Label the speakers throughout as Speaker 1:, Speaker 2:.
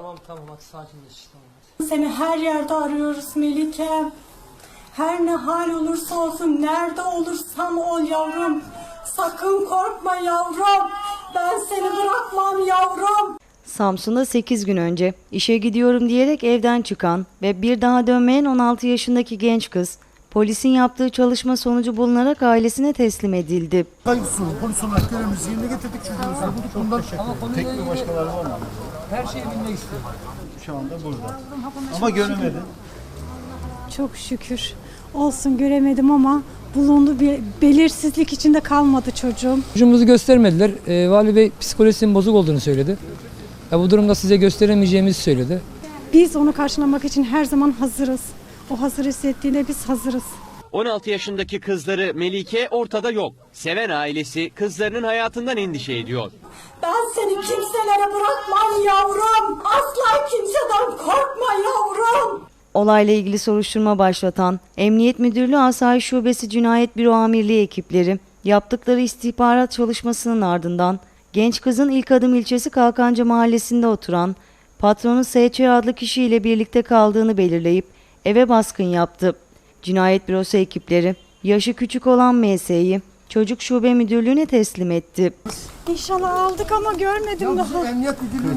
Speaker 1: Tamam hadi sakinleş. Tamam.
Speaker 2: Seni her yerde arıyoruz Melike. Her ne hal olursa olsun, nerede olursan ol yavrum. Sakın korkma yavrum. Ben seni bırakmam yavrum.
Speaker 3: Samsun'da 8 gün önce işe gidiyorum diyerek evden çıkan ve bir daha dönmeyen 16 yaşındaki genç kız, polisin yaptığı çalışma sonucu bulunarak ailesine teslim edildi.
Speaker 4: Kayıp sorun, polis olarak görevimizi yerine getirdik çocuğumuzu. Bundan tek bir başkaları var mı?
Speaker 1: Her şeyi bilmek istiyorum.
Speaker 4: Şu anda burada. Ama göremedi.
Speaker 2: Çok şükür. Olsun göremedim ama bulundu, bir belirsizlik içinde kalmadı çocuğum.
Speaker 5: Çocuğumuzu göstermediler. Vali Bey psikolojisinin bozuk olduğunu söyledi. Bu durumda size gösteremeyeceğimizi söyledi.
Speaker 2: Biz onu karşılamak için her zaman hazırız. O hazır hissettiğinde biz hazırız.
Speaker 6: 16 yaşındaki kızları Melike ortada yok. Seven ailesi kızlarının hayatından endişe ediyor.
Speaker 2: Ben seni kimselere bırakmam yavrum. Asla kimseden korkma yavrum.
Speaker 3: Olayla ilgili soruşturma başlatan Emniyet Müdürlüğü Asayiş Şubesi Cinayet Büro Amirliği ekipleri yaptıkları istihbarat çalışmasının ardından genç kızın İlk Adım ilçesi Kalkanca mahallesinde oturan patronu S.Ç. adlı kişiyle birlikte kaldığını belirleyip eve baskın yaptı. Cinayet Bürosu ekipleri yaşı küçük olan M.S.'yi Çocuk Şube Müdürlüğü'ne teslim etti.
Speaker 2: İnşallah aldık ama görmedim daha.
Speaker 4: Emniyet müdürlüğüne...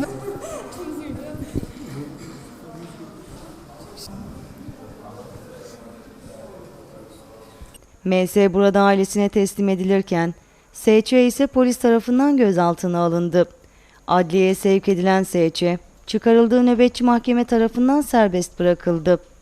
Speaker 3: M.S. burada ailesine teslim edilirken S.Ç. ise polis tarafından gözaltına alındı. Adliyeye sevk edilen S.Ç. çıkarıldığı nöbetçi mahkeme tarafından serbest bırakıldı.